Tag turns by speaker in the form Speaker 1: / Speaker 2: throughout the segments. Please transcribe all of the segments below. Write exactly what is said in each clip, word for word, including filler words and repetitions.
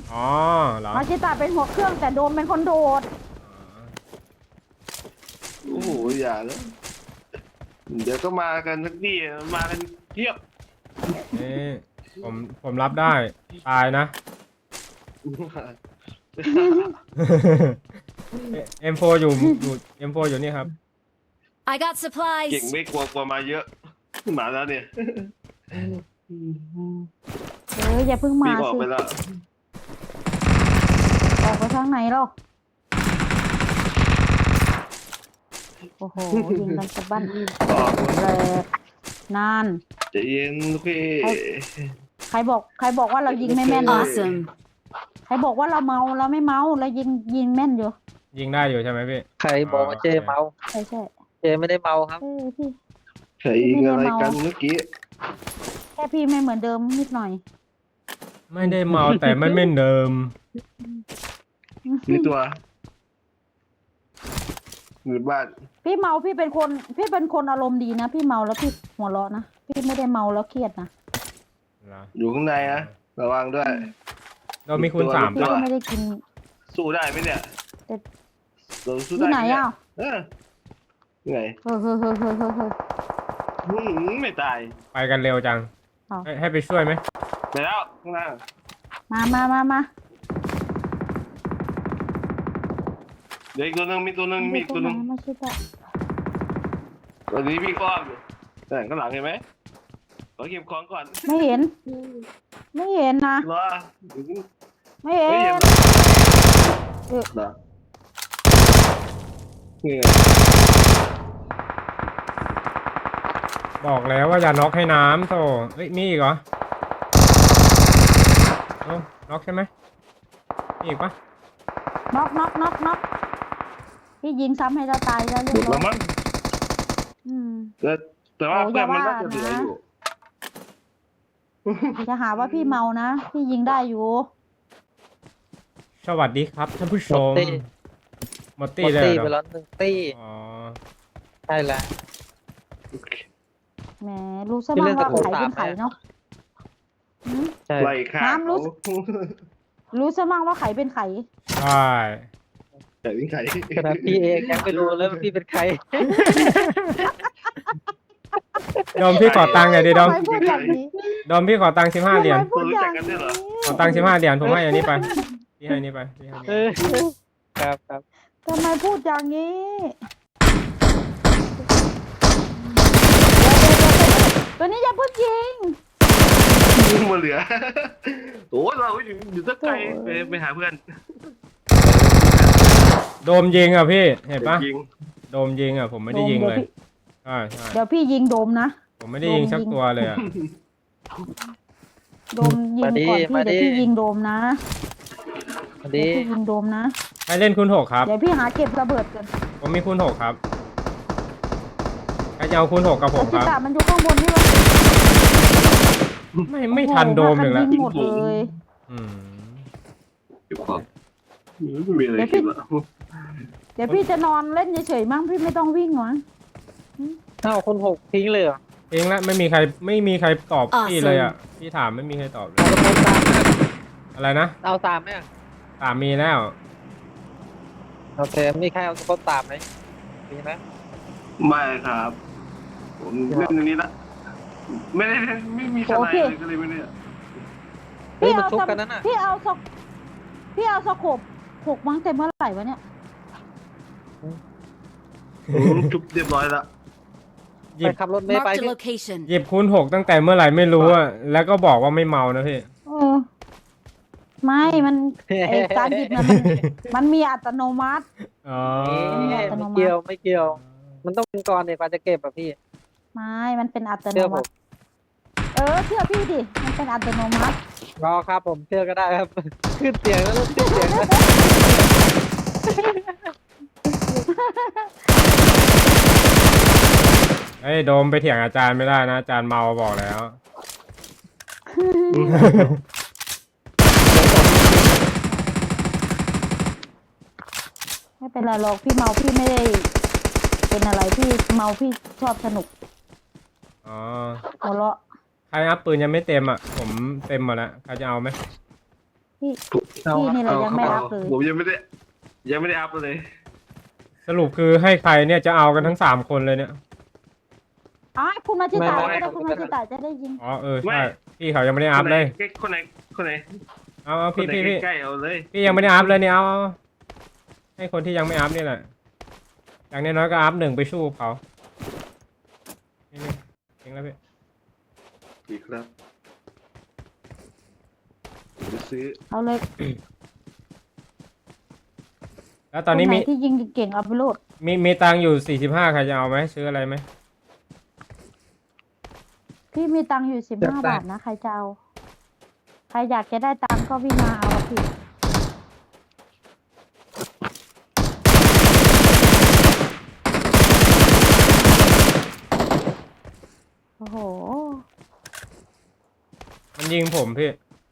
Speaker 1: อ๋อเหรอ
Speaker 2: มาชิตาเป็นหัวเครื่องแต่โดมเป็นคนโดด
Speaker 3: โอ้โหอย่าเลยเดี๋ยวก็มากันสักทีมากันเทียบ
Speaker 1: นี่ผมผมรับได้ตายนะ เอ็มโฟอยู่อยู่เอ็มโฟอยู่นี่ครับ
Speaker 4: I got
Speaker 3: เก่ง
Speaker 4: supplies.
Speaker 3: ไม่กลัวกลัวมาเยอะมาแล้วเนี่ย
Speaker 2: เอออย่าเพิ่งมา
Speaker 3: พี่ออก
Speaker 2: สิ
Speaker 3: ไปแล้ว
Speaker 2: ออกไปทางไหนหรอโอ้โหยิงกันสะบั้น
Speaker 3: ออก
Speaker 2: แรกนาน
Speaker 3: ใจะเย็นพี่
Speaker 2: ใครบอกใครบอกว่าเรายิงไม่แม่น
Speaker 4: Awesome.
Speaker 2: ใครบอกว่าเราเมาเราไม่เมาเรายิงยิงแม่นอยู่
Speaker 1: ยิงได้อยู่ใช่ไหมพี่
Speaker 5: ใครบอกว่าเจเมา
Speaker 2: ใช่ใช่
Speaker 5: เจไม่ได้เมาครับ
Speaker 2: เออพี่
Speaker 3: ใครยิงอะไรกันเมื่อกี้
Speaker 2: แค่พี่ไม่เหมือนเดิมนิดหน่อย
Speaker 1: ไม่ได้เมาแต่มันไม่เดิม
Speaker 3: มีตัวอยู่บ้าน
Speaker 2: พี่เมาพี่เป็นคนพี่เป็นคนอารมณ์ดีนะพี่เมาแล้วพี่หัวเราะนะพี่ไม่ได้เมาแล้วเครียดนะ
Speaker 1: เหรอ
Speaker 3: อยู่ข้างในนะระวังด้วย
Speaker 1: เรามีคุณสาม
Speaker 2: พี่
Speaker 1: ปะ
Speaker 2: ก็ไม่ได้กิน
Speaker 3: สู้ได้ไหมเนี่ย
Speaker 2: แต่
Speaker 3: เราสู้
Speaker 2: ที่
Speaker 3: ได้
Speaker 2: ไหน
Speaker 3: มเย
Speaker 2: อ่ะ
Speaker 3: เออไง
Speaker 2: เฮ้ยเฮ้ยเฮ้ยเฮ้ยเฮ้ยเฮ้ย
Speaker 3: หืมไม่ตาย
Speaker 1: ไปกันเร็วจัง
Speaker 2: เอา
Speaker 1: ให้ให้ไปช่วยไหม
Speaker 3: ไปแล้วข้างล่าง
Speaker 2: มามามามา
Speaker 3: เดี๋ยวอีกตัวหนึงมีตัวหนึงมีอีกตัวหนึง
Speaker 2: ไม่ใช่ปะ
Speaker 3: ตอนนี้พี่ก้อมอยู่แต่ข้างหลังเห็นไหมขอเก็บของก่อน
Speaker 2: ไม่เห็น ไม่เห็นนะ
Speaker 3: รอ
Speaker 2: ไม่เห็
Speaker 3: ไม่เห็น
Speaker 2: น
Speaker 3: เหรอนี่ไง
Speaker 1: บอกแล้วว่าอย่าน็อกให้น้ำโธ่เอ้ยมีอีกเหรอเอ้าน็อกใช่ไหมมีอีกปะ
Speaker 2: น็อกน็อกน็อกน็อกพี่ยิงซ้ำให้เราตายแล้วเรีย
Speaker 3: หม
Speaker 2: บ
Speaker 3: ด
Speaker 2: ร้อ
Speaker 3: แล้
Speaker 2: ยว
Speaker 3: มั้ง
Speaker 2: อืม
Speaker 3: แต่แต่ว่า
Speaker 2: โอ้
Speaker 3: เพื่อนมัน
Speaker 2: อย่าว่า
Speaker 3: น่าจะเหลืออยู่
Speaker 2: จะหาว่าพี่เมานะพี่ยิงได้อยู่
Speaker 1: สวัสดีครับท่านผู้ชมหมด
Speaker 5: ห
Speaker 1: ตี้
Speaker 5: มด
Speaker 1: เลย
Speaker 5: ตี้
Speaker 1: เหร
Speaker 5: ไป
Speaker 1: อ
Speaker 5: แล้วหนึ่งตี้
Speaker 1: อ๋อ
Speaker 5: ใช่แล้ว
Speaker 2: แหมรู้ซะบ้างว่าไข่เป็นไข่เนาะหืม
Speaker 5: ใช่
Speaker 3: ไล่ฆ่า
Speaker 2: น้ำรู้
Speaker 3: เขา
Speaker 2: รู้ซะบ้างว่าไข่เป็นไข่
Speaker 1: ใช่
Speaker 3: แต่วิ่งไข่
Speaker 5: ขนาดพี่เองยังไม่รู้เลยว่าพี่เป็นใคร
Speaker 1: ดอมพี่ขอตังค์หน่อยดิดอม
Speaker 2: ทำไมพูดอย่างนี้
Speaker 1: ดอมพี่ขอตังค์สิบห้าเหรียญ
Speaker 2: ทำไมพูดอย่างนี้
Speaker 1: ขอตังค์สิบห้าเหรียญผมให้อันนี้ไปพี่ให้อันนี้ไปพี่ให้อัน
Speaker 5: เอ
Speaker 1: นี้
Speaker 5: อครับครับ
Speaker 2: ทำไมพูดอย่างนี้เดี๋ยวเดี๋ยวเดี๋ยวตัวนี้อย่าเพิ่งยิง
Speaker 3: ยิงมาเหลือโอ้ยเราอยู่อยู่สักไกลไปไปหาเพื่อน
Speaker 1: โดมยิงอ่ะพี่เห็นปะ
Speaker 3: ยิง
Speaker 1: โดมยิงอ่ะผมไม่ได้ยิงเลยใช่ใช่
Speaker 2: เดี๋ยวพี่ยิงโดมนะ
Speaker 1: ผมไม่ได้ยิงสักตัวเลยอ่ะ
Speaker 2: โดมยิงก่อนพี่เดี๋ยวพี่ยิงโดมนะ
Speaker 5: สวัส
Speaker 2: เดี๋
Speaker 5: ดี
Speaker 2: ยวพี่ยิงโดมนะ
Speaker 1: ให้เล่นคุณหกครับ
Speaker 2: เดี๋ยวพี่หาเก็บระเบิดกัน
Speaker 1: ผมมีคุณหกครับใครจะเอาคุณหกกับผม
Speaker 2: จิ
Speaker 1: ครับ
Speaker 2: ตามันอยู่ข้างบนนี่วะ
Speaker 1: ไม่ไม่ทันโดมอีกแล้ว
Speaker 2: ยิงหมดเลย
Speaker 1: อืม
Speaker 3: เก็บของไม่มีอะไรกินละ
Speaker 2: เดี๋ยวพี่จะนอนเล่นเฉยๆมั้งพี่ไม่ต้องวิ่งหรอ
Speaker 5: เอ้าคนหกทิ้งเลยเหรอ
Speaker 1: เองละไม่มีใครไม่มีใครตอบพี่เลยอ่ะพี่ถามไม่มีใครตอบเลย
Speaker 5: เอาตะโกนตามไหม
Speaker 1: อะไรนะ
Speaker 5: เอาตามไหมอะ
Speaker 1: ตามมีแล้ว
Speaker 5: โอเคมีใครเอาตะโกนตามไหมมีไหม
Speaker 3: ไม่ครับ ผมเล่นอย่างนี้ละไม่ได้ไม่มีสไนด์เลยก็เลยไม่ได้
Speaker 5: เฮ้ย
Speaker 2: พี่
Speaker 5: มัน
Speaker 2: เอา
Speaker 5: ชุบ
Speaker 2: ส
Speaker 5: กันนั่นน่ะ
Speaker 2: พี่เอาสกพี่เอาสกบหกมั้งเต็มเมื่อไหร่วะเนี่ย
Speaker 3: ผมทุบเรียบร้อยละ
Speaker 1: หยิ
Speaker 5: ไป
Speaker 1: บ
Speaker 5: ขับรถเมย์ไป
Speaker 4: Marked a
Speaker 5: พี่
Speaker 4: location.
Speaker 1: หยิบคุณหกตั้งแต่เมื่อไหร่ไม่รู้อ่ะแล้วก็บอกว่าไม่เมานะพี่
Speaker 2: เออไม่มันไอการหยิบเนี่ยมันมันมีอัตโนมัติ
Speaker 1: อ๋อ
Speaker 5: ไม่เกี่ยวไม่เกี่ยว มันต้องเป็นก่อนเนี่ยกว่าจะเก็บอะพี่
Speaker 2: ไม่มันเป็นอัตโน
Speaker 5: เชื่อผ
Speaker 2: มั
Speaker 5: ม
Speaker 2: ติเออเชื่อพี่ดิมันเป็นอัตโนมัติ
Speaker 5: รอครับผมเชื่อก็ได้ครับ ขึ้นเสียงแล้วขึ้นเสียงแล้ว
Speaker 1: เอ้ยโดมไปเถียงอาจารย์ไม่ได้นะอาจารย์เมาบอกแล้ว
Speaker 2: ไม่เป็นไรหรอกพี่เมาพี่ไม่ได้เป็นอะไรพี่เมาพี่ชอบสนุก
Speaker 1: อ๋อ
Speaker 2: หัวเราะ
Speaker 1: ใครอัพปืนยังไม่เต็มอ่ะผมเต็มหมดแล้วใครจะเอาไหม
Speaker 2: พี่
Speaker 5: เอา
Speaker 2: พี่นี่แหละยังไม่
Speaker 3: เอา
Speaker 2: อัพเลย
Speaker 3: ผมยังไม่ได้ยังไม่ได้อัพเลย
Speaker 1: สรุปคือให้ใครเนี่ยจะเอากันทั้งสามคนเลยเนี่ย
Speaker 2: อ๋อคุณมาชิตา
Speaker 3: ไม่
Speaker 2: ก็
Speaker 3: ไม่
Speaker 2: ได้คุณมาชิตาจะได้ยิง
Speaker 1: อ๋อเออ
Speaker 3: ไม่
Speaker 1: ใช่พี่เขายังไม่ได้อัพเลย
Speaker 3: คนไหนคนไหน
Speaker 1: เอาเอา
Speaker 3: คน
Speaker 1: พี่
Speaker 3: ไหน
Speaker 1: พี่พี่
Speaker 3: ใกล้ๆเอาเลย
Speaker 1: พี่ยังไม่ได้อัพเลยเนี่ยเอาเอาให้คนที่ยังไม่อัพนี่แหละอย่างน้อยๆก็อัพหนึ่งไปสู้เขานี่นี่จริงแล้วพี่
Speaker 3: ดีครับผมจะซื้อ
Speaker 2: เอาเลย
Speaker 1: แล้วตอนนี้
Speaker 2: คไห
Speaker 1: มี
Speaker 2: ที่ยิงเก่งๆเอาไปโหลด
Speaker 1: มีมีตังค์อยู่สี่สิบห้าใครจะเอาไหมซื้ออะไรไหม
Speaker 2: พี่มีตังค์อยู่สิบห้าบาทนะใครจะเอาใครอยากจะได้ตังค์ก็วิ่งมาเอาอะพี่โอ้โห
Speaker 1: มันยิงผมพี่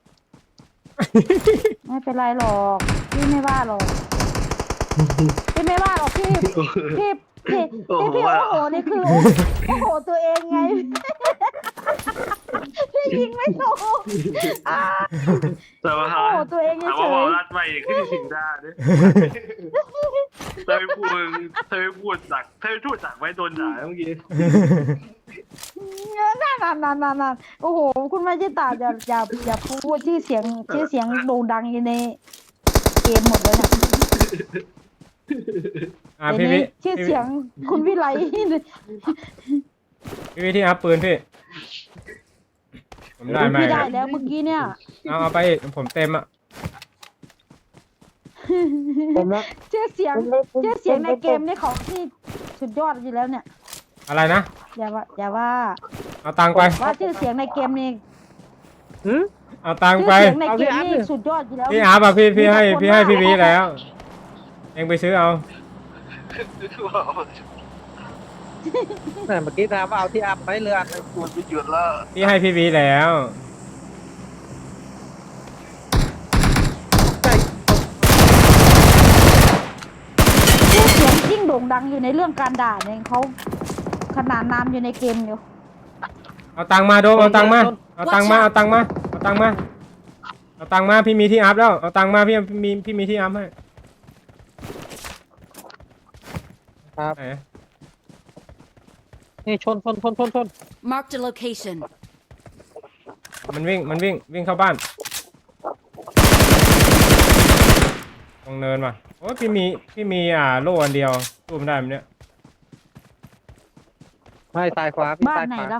Speaker 2: ไม่เป็นไรหรอกพี่ไม่ว่าหรอกพี่ไม่ว่าหรอกพี่พี่พี่
Speaker 3: โอ้
Speaker 2: พี่
Speaker 3: โห
Speaker 2: พี่โอ้โหนี่คือโอ้โอ้โหตัวเองไงพี่ยิงไม่ถูกอ่า
Speaker 3: แต่ว่า
Speaker 2: โอ้โหตัวเอง
Speaker 3: ถาม
Speaker 2: เฉ
Speaker 3: ว่าย บอกรัดไปขึ้นถึงได้ด้วยเธอไม่พูดเธอไม่พูดจักเธอไม่พูดจักไว้โดนด่าเมื่อกี้
Speaker 2: ๆนั่นนั่นนั่นนั่นนั่นโอ้โหคุณมาจิตาอย่าอย่าอย่าพูดชื่อเสียงชื่อเสียงโด่งดังอยู่ในเกมหมดเลยนะ
Speaker 1: อ่า
Speaker 2: เดี๋ย
Speaker 1: พี่
Speaker 2: ว
Speaker 1: พี่
Speaker 2: นี้ชื่อเสียงคุณวิไล
Speaker 1: พี่พี่ที่อัพปืนพี่ผมได้ไหม
Speaker 2: พี่ได้แล้วเมื่อกี้เนี่ย
Speaker 1: เอาเอาไปผมเต็มอ่ะ
Speaker 5: ผมนะ
Speaker 2: ชื่อเสียงชื่อเสียงในเกมนี่ของที่สุดยอดอยู่แล้วเนี่ย
Speaker 1: อะไรนะ
Speaker 2: อย่าว่าอย่าว่า
Speaker 1: เอาตังค์ไป
Speaker 2: ว่าชื่อเสียงในเกมนี่
Speaker 5: หืม
Speaker 1: เอาตังค์
Speaker 2: ชื่อ
Speaker 1: ไป
Speaker 2: เสียงในเกม
Speaker 5: เอาพี่
Speaker 2: นี่
Speaker 5: อัพดิ
Speaker 2: สุดยอดอยู่แล้ว
Speaker 1: พี่อัพอ่ะพี่พี่ให้
Speaker 2: มีแต่คน
Speaker 1: พี่ให้
Speaker 2: ว่า
Speaker 1: พี่วีแล้ว เองไปซื้อเอา
Speaker 5: แหม่เมื่อกี้ถามว่าเอาที่อัพไหมเรืออันหนึ่ง
Speaker 3: มันไปหยุดแล้ว
Speaker 1: พี่ให้พี่วีแล้ว
Speaker 5: ใจ
Speaker 2: ชื่อเสียงยิ่งโด่งดังอยู่ในเรื่องการด่าเนี่ยเขาขนานนามอยู่ในเกมอยู่
Speaker 1: เอาตังค์มาโดมเอาตังค์มาเอาตังค์มาเอาตังค์มาเอาตังค์มาเอาตังค์มาพี่มีที่อัพแล้วเอาตังค์มาพี่มีพี่มีที่อัพให้
Speaker 5: ครับ
Speaker 1: ไหน
Speaker 5: นี่ชนชนชนชนชน
Speaker 4: Marked a location.
Speaker 1: มันวิ่งมันวิ่งวิ่งเข้าบ้านตรงเนินว่ะโอ้ยพี่มีพี่มีอ่าโล่อันเดียวสู้มันได้ไหมเนี่ย
Speaker 5: ไม่ซ้ายขวาพี่
Speaker 2: บ้าน
Speaker 5: ซ้าย
Speaker 2: ไหน
Speaker 5: ขวา
Speaker 2: แล้ว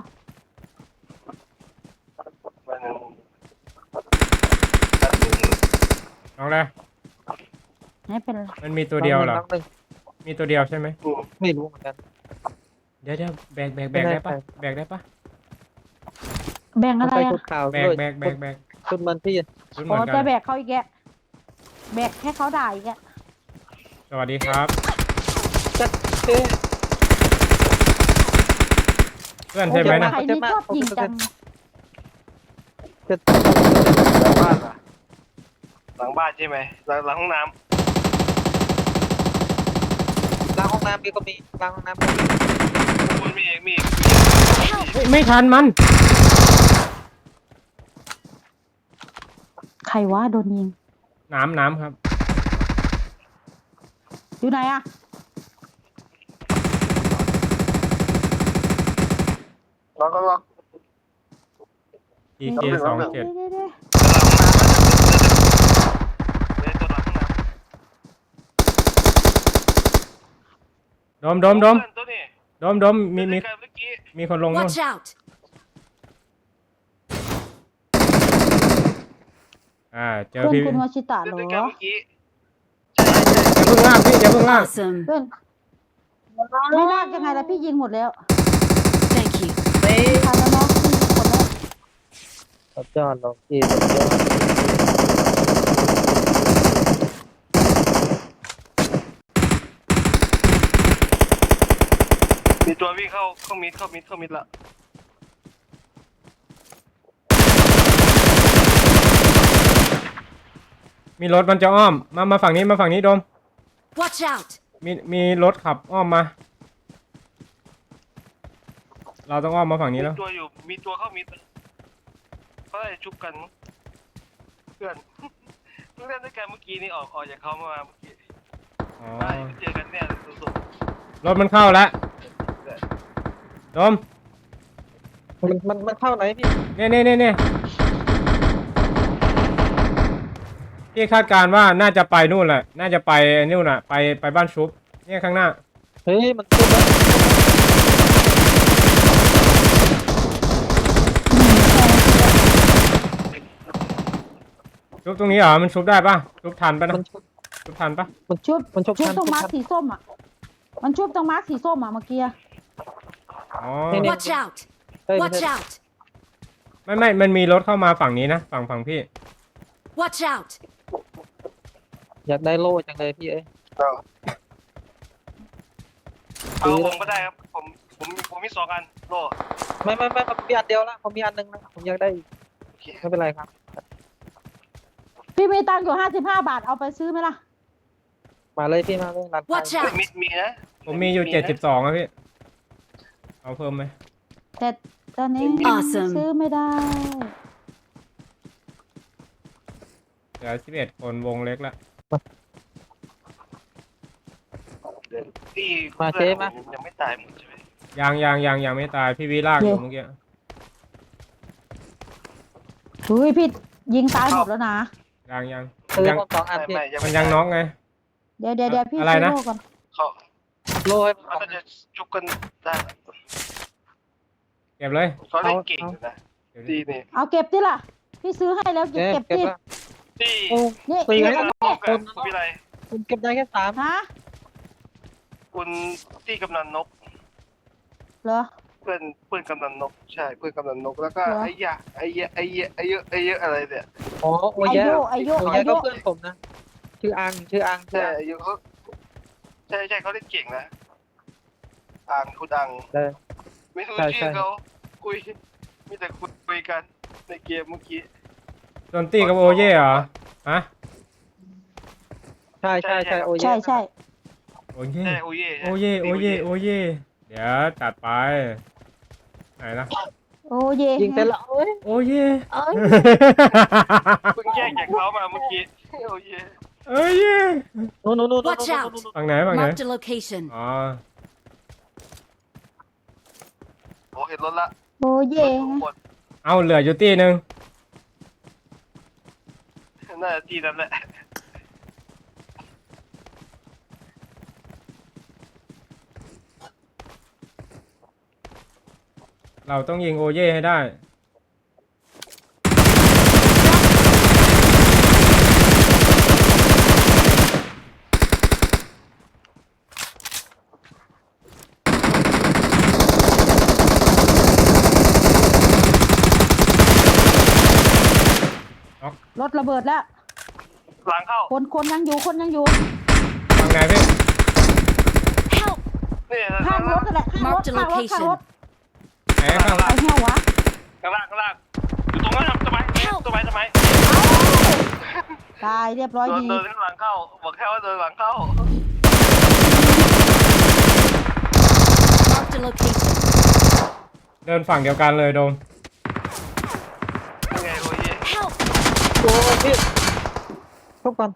Speaker 1: น้องเลย
Speaker 2: ไม่เป็นไร
Speaker 1: มันมีตัวเดียวเหรอ
Speaker 5: น้องหนึ่ง
Speaker 1: มีตัวเดียวใช่ไหม
Speaker 5: ไม่รู้เหมือนกัน
Speaker 1: เดี๋ยวเดี๋ยวแบกแบกแบก
Speaker 5: ไม่แน่
Speaker 1: ได้ปะ
Speaker 5: ใจ
Speaker 1: แบกได้ปะ
Speaker 2: แบ่ง
Speaker 5: มั
Speaker 2: อะ
Speaker 5: น
Speaker 2: ไร
Speaker 5: ใส่
Speaker 2: อ่ะ
Speaker 5: ชุดขาว
Speaker 1: แบก
Speaker 5: ด้วย
Speaker 1: แบกแบกแบก
Speaker 5: ชุดมันพี่
Speaker 1: ชุดเห
Speaker 2: อ๋
Speaker 1: มื
Speaker 2: อ
Speaker 1: อนกั
Speaker 2: จะ
Speaker 1: น
Speaker 2: แบกเขาอีกแกแบกแค่เขาด่าอีกแก
Speaker 1: สวัสดีครับ
Speaker 5: จัดเอ๊ะ
Speaker 1: เพื่อนใช่ไหมนะ
Speaker 2: ใครนี่ชอบยิงจัง
Speaker 5: จะ
Speaker 3: หลังบ้านอ่ะหลังบ้านใช่ไหมหลังหลังห้องน้
Speaker 5: ล้างห้องน้ำพี่ก็มีล้างห้องน้ำก็มี
Speaker 3: ำคุณมีเอกมีอีก
Speaker 1: เฮ้ยไม่ทันมัน
Speaker 2: ใครวะโดนยิง
Speaker 1: น้ำน้ำครับ
Speaker 2: อยู่ไหนอ่ะ
Speaker 3: ล็อกก็ล็อก
Speaker 1: ทีเคสองเจ็ด
Speaker 2: เดี๋ยวๆ
Speaker 3: เดี๋ยวตัวหลังห้องน้ำ
Speaker 1: โดมโดมโดม
Speaker 3: เพื่อนตัวนี้
Speaker 1: โดมโดมมีมี
Speaker 3: เมื่อกี้
Speaker 1: มีคนลงนู่น
Speaker 4: Watch out!
Speaker 1: อ่าเจ
Speaker 2: ๆ
Speaker 1: อ
Speaker 2: เพื่อน
Speaker 1: พี่
Speaker 2: คุณวชิตะเหร
Speaker 3: เมื่
Speaker 2: อ
Speaker 3: อกี้
Speaker 1: อย่าเพิ่งลากพี่อย่าเพิ่งลาก
Speaker 4: Awesome.
Speaker 2: ไม่ลากยังไงล่ะพี่ยิงหมดแล้ว
Speaker 4: Thank you.
Speaker 2: ทันแล้วเนาะพี่ยิงหมดแล้ว
Speaker 5: สุดยอดลงพี่สุดยอด
Speaker 3: มีตัววิ่งเข้าเข้ามิดเข้ามิดเข้ามิดละ
Speaker 1: มีรถมันจะอ้อมมามาฝั่งนี้มาฝั่งนี้โดม
Speaker 4: Watch out!
Speaker 1: มีมีรถขับอ้อมมา เราต้องอ้อมมาฝั่งนี้
Speaker 3: มี
Speaker 1: แล้ว
Speaker 3: ตัวอยู่มีตัวเข้ามิดก็ได้ชุบกันมั้งเพื่อนเล่นด้วยกันเมื่อกี้นี่ออกออกจากเขามาเมื่อกี้
Speaker 1: อ๋อ
Speaker 3: ได้เจอกันเนี่ยสุด
Speaker 1: รถมันเข้าแล้วโดม
Speaker 5: มันมันมันเข้าไหนพี่
Speaker 1: เนี่ยเนี่ยเนี่ยเนี่ยพี่คาดการณ์ว่าน่าจะไปนู่นแหละ น่าจะไปนู่นน่ะ ไปไปบ้านชุบ เนี่ยข้างหน้า
Speaker 5: เฮ้ยมันขึ้นแล้ว
Speaker 1: ชุบตรงนี้เหรอ มันชุบได้ปะชุบทันปะนะ
Speaker 5: มันชุบ
Speaker 1: ชุบทันปะ
Speaker 5: มันชุ
Speaker 2: ชุ
Speaker 5: บบ มันชุบ
Speaker 2: ชุบ
Speaker 5: ทัน
Speaker 2: ตรงมาร์ค
Speaker 5: ชุบทัน
Speaker 2: สีส้มอ่ะ มันชุบตรงมาร์คสีส้มอ่ะเมื่อกี้อะ
Speaker 1: อ๋อ
Speaker 5: นี่นี่
Speaker 4: Watch out!
Speaker 5: เฮ้ย
Speaker 4: Watch out!
Speaker 1: ไม่ไม่ มันมีรถเข้ามาฝั่งนี้นะ ฝั่งฝั่งพี่
Speaker 4: Watch out!
Speaker 5: อยากได้โล่จังเลยพี่เอ้ย
Speaker 3: ๆเอาผมก็ได้ครับผมผมผมมีสองอันโล
Speaker 5: ไม่ไม่ไม่ผมมีอันเดียวละผมมีอันหนึงนะผมอยากได้อีกไม่เป็นไรครับ
Speaker 2: พี่มีตังค์อยู่ห้าสิบห้าบาทเอาไปซื้อไหมล่ะ
Speaker 5: มาเลยพี่มาเลยร้านค้า
Speaker 4: Watch
Speaker 3: ไม่
Speaker 4: out!
Speaker 3: มีมีนะ
Speaker 1: ผมมีอยู่เจ็ดสิบสองอะพี่ เอาเพิ่มไหม
Speaker 2: แต่ตอนนี้
Speaker 4: Awesome
Speaker 2: ซื้อไม่ได้
Speaker 1: เหลือสิบเอ็ดคนวงเล็กละ
Speaker 3: ที่
Speaker 5: มาเจ๊มา
Speaker 3: ยังไม่ตายหมดใช่ไหม
Speaker 1: ยังยังยังยังไม่ตาย พี่วิลากอยู่เมื่อกี้
Speaker 2: เฮ้ยพี่ยิงตายหมดแล้วนะ
Speaker 1: ยังยัง
Speaker 5: ซื้อ
Speaker 1: ยัง
Speaker 5: ผมสองอัน
Speaker 3: ไม่
Speaker 5: พี่
Speaker 3: ไม่ยัง
Speaker 1: มั
Speaker 3: ไม่
Speaker 1: นยังน็อกไง
Speaker 2: เดี๋ยวเดี๋ยวเดี๋ยวพี่
Speaker 1: อะไร
Speaker 2: ซื้อ
Speaker 1: นะ
Speaker 2: โลก่อน
Speaker 3: เขา
Speaker 5: โล่ให้ผมส
Speaker 3: เขา
Speaker 5: องอัน
Speaker 3: จะจุกกันได้
Speaker 1: เก็บเลย
Speaker 3: เขาเล่นเก่งอยู่นะ
Speaker 1: เก็บดิ
Speaker 3: ดีนี่
Speaker 2: เอาเก็บดิล่ะ พี่ซื้อให้แล้วเก็บ
Speaker 5: เก็บ
Speaker 2: เก็บ
Speaker 5: เก็บ
Speaker 2: ที่
Speaker 5: ละ
Speaker 3: ที่
Speaker 5: โอ้
Speaker 2: นี่
Speaker 5: ตี
Speaker 2: นี่
Speaker 5: ให้
Speaker 2: กัน
Speaker 5: เรา
Speaker 2: แน่
Speaker 3: กับคุณวิไล
Speaker 5: ผมเก็บได้แค่สาม
Speaker 2: ฮะ
Speaker 3: คุณที่กำนันนก
Speaker 2: เหรอ
Speaker 3: เพื่อนเพื่อนกำนันนกใช่เพื่อนกำนันนกแล้วก็
Speaker 2: เหรอ
Speaker 3: ไอ้ยะไอ้ยะไอ้ยะไอ้เยอะไอ้เยอะอะไรเนี่ย
Speaker 5: อ๋อโอ้ยแย่
Speaker 2: อายุ
Speaker 5: โอ้ย
Speaker 2: อา
Speaker 5: แย่
Speaker 2: ยุ
Speaker 5: ก็เพื่อนผมนะชื่ออังชื่ออังชื่
Speaker 3: ใช่
Speaker 5: ออัง
Speaker 3: อายุเขาใช่ใช่เขาเล่นเก่งนะอ่างคุณอัง
Speaker 5: ใช่
Speaker 3: ไม่รู้
Speaker 5: ใช่ใช่
Speaker 3: ชื่อเขาคุยมีแต่คุยคุยกันในเกมเมื่อกี้
Speaker 1: โดนตีกับโอเย่เหรอ ฮะ
Speaker 5: ใช่ใช่ใช่โอ้ย
Speaker 2: ใช่ใช่
Speaker 1: โอเย่
Speaker 3: ใช่โอเย่
Speaker 1: โอเย่โอเย่โอเย่เดี๋ยวจัดไป ไหนนะ
Speaker 2: โอ้เย
Speaker 5: ยิงไปละโอ้ย
Speaker 1: โอเย่
Speaker 2: เอ้ย
Speaker 3: เพิ่งแยกจากเขามาเมื่อกี้โอเย่
Speaker 1: โอเย่
Speaker 5: โน่นโน่นโน่นโน่น
Speaker 4: Watch out
Speaker 1: ฝั่งไหนฝั่งไหน
Speaker 4: Marked a location.
Speaker 1: อ๋อ
Speaker 3: โอ้เห็นรถละ
Speaker 2: โอ้เย
Speaker 3: รถทุกคน
Speaker 1: เอาเหลืออยู่ตีหนึ่ง
Speaker 3: น่าจะที่นั้นแหละ
Speaker 1: เราต้องยิงโอเย่ให้ได้
Speaker 2: รถระเบิดแล้ว
Speaker 3: หลังเข้า
Speaker 2: คนคนยังอยู่คนยังอยู่
Speaker 1: ฝั่งไหนพี่
Speaker 4: Help!
Speaker 3: นี่
Speaker 2: ข้างรถนั่นแหละข้างรถ
Speaker 4: Marked a
Speaker 2: ข้างรถข้างรถ
Speaker 1: ไหนข้างหลัง
Speaker 2: ไอ้เหี้ยวะ
Speaker 3: ข้างล่างข้างล่างอยู่ตรงนั้นครับต้นไม้ต้นไม้ต้นไม้
Speaker 2: ตายเรียบร้อย
Speaker 3: เดิน
Speaker 2: ดี
Speaker 3: เดินข้างหลังเข้าบอกแค่ว่าเดินหลังเข้า
Speaker 4: Marked a location.
Speaker 1: เดินฝั่งเดียวกันเลยโดม
Speaker 3: ยังไงโอเย่
Speaker 4: Help!
Speaker 5: โอ้ยพี่ทุกคน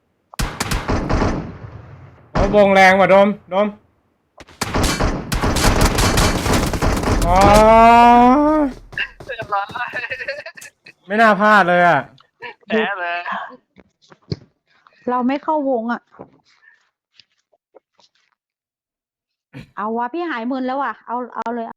Speaker 1: โอ้วงแรงว่ะโดมโดมอ๋อ
Speaker 3: เรียบร้อย
Speaker 1: ไม่น่าพลาดเลยอ่ะ
Speaker 3: แพ้เลย
Speaker 2: เราไม่เข้าวงอ่ะ เอาวะพี่หายมึนแล้วว่ะ เอาเอาเลย